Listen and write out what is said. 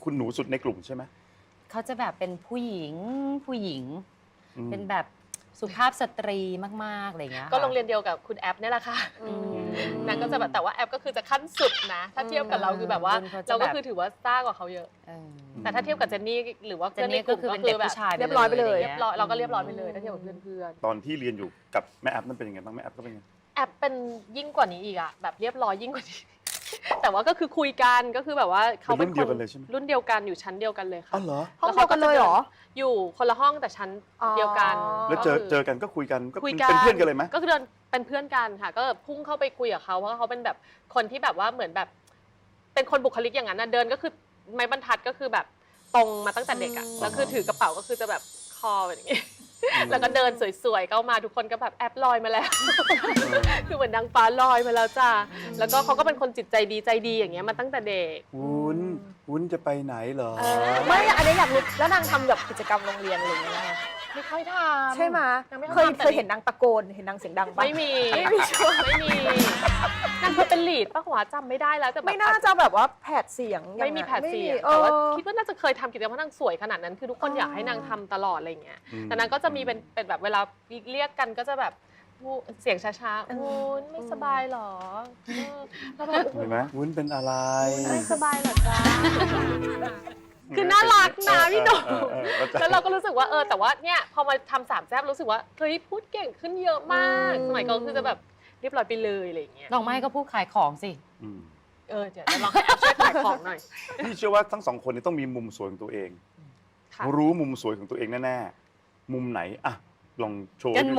คุณหนูสุดในกลุ่มใช่ไหมเขาจะแบบเป็นผู้หญิงเป็นแบบสุภาพสตรีมากๆอะไรเงี้ยก็โรงเรียนเดียวกับคุณแอปเนี่ยแหละค่ะนางก็จะแบบแต่ว่าแอปก็คือจะขั้นสุดนะถ้าเทียบกับเราคือแบบว่าเราก็คือถือว่าซ่ากว่าเขาเยอะแต่ถ้าเทียบกับเจนนี่หรือว่าเพื่อนในกลุ่มก็คือแบบเรียบร้อยไปเลยเราก็เรียบร้อยไปเลยถ้าเทียบกับเพื่อนตอนที่เรียนอยู่กับแม่แอปนั่นเป็นยังไงบ้างแม่แอปก็เป็นยังไงแอปเป็นยิ่งกว่านี้อีกอะแบบเรียบร้อยยิ่งกว่านี้แต่ว่าก็คือคุยกันก็คือแบบว่าเขาเป็นคนรุ่นเดียวกันอยู่ชั้นเดียวกันเลยค่ะอ๋อเหรอห้องเดียวกันเลยเหรออยู่คนละห้องแต่ชั้นเดียวกันแล้วเจอกันก็คุยกันก็เป็นเพื่อนกันเลยไหมก็คือเดินเป็นเพื่อนกันค่ะก็พุ่งเข้าไปคุยกับเขาเพราะเขาเป็นแบบคนที่แบบว่าเหมือนแบบเป็นคนบุคลิกอย่างนั้นนะเดินก็คือไม้บรรทัดก็คือแบบตรงมาตั้งแต่เด็กอะแล้วคือถือกระเป๋าก็คือจะแบบคอแบบนี้แล้วก็เดินสวยๆเข้ามาทุกคนก็แบบแอบลอยมาแล้วคือเหมือนนางฟ้าลอยมาแล้วจ้าแล้วก็เขาก็เป็นคนจิตใจดีอย่างเงี้ยมาตั้งแต่เด็กวุ้นจะไปไหนเหรอไม่อันนี้อยากรู้แล้วนางทำแบบกิจกรรมโรงเรียนอะไรอย่างเงี้ยไม่ค่อยทำใช่ไหมเคยเห็นนางตะโกนเห็นนางเสียงดังปะไม่มีนางเคยเป็นลีดป้าหัวจำไม่ได้แล้วแต่ไม่น่าจะแบบว่าแผดเสียงไม่มีแผดเสียงแต่ว่าคิดว่าน่าจะเคยทำกิจกรรมเพราะนางสวยขนาดนั้นคือทุกคนอยากให้นางทำตลอดอะไรเงี้ยแต่นางก็จะมีเป็นแบบเวลาเรียกกันก็จะแบบเสียงช้าๆวุ้นไม่สบายหรอแล้วแบบเห็นไหมวุ้นเป็นอะไรไม่สบายหรอจ้าคือน่ารักนะพี่หนุ่มแล้วเราก็รู้สึกว่าแต่ว่าเนี่ยพอมาทำสามแซ่บรู้สึกว่าเฮ้ยพูดเก่งขึ้นเยอะมากสมัยก่อนคือจะแบบเรียบร้อยไปเลยอะไรอย่างเงี้ยลองไม่ก็พูดขายของสิเดี๋ยวลองให้แอปช่วยขายของหน่อยพี่เชื่อว่าทั้งสองคนนี้ต้องมีมุมสวยของตัวเองรู้มุมสวยของตัวเองแน่ๆมุมไหนอะลองโชว์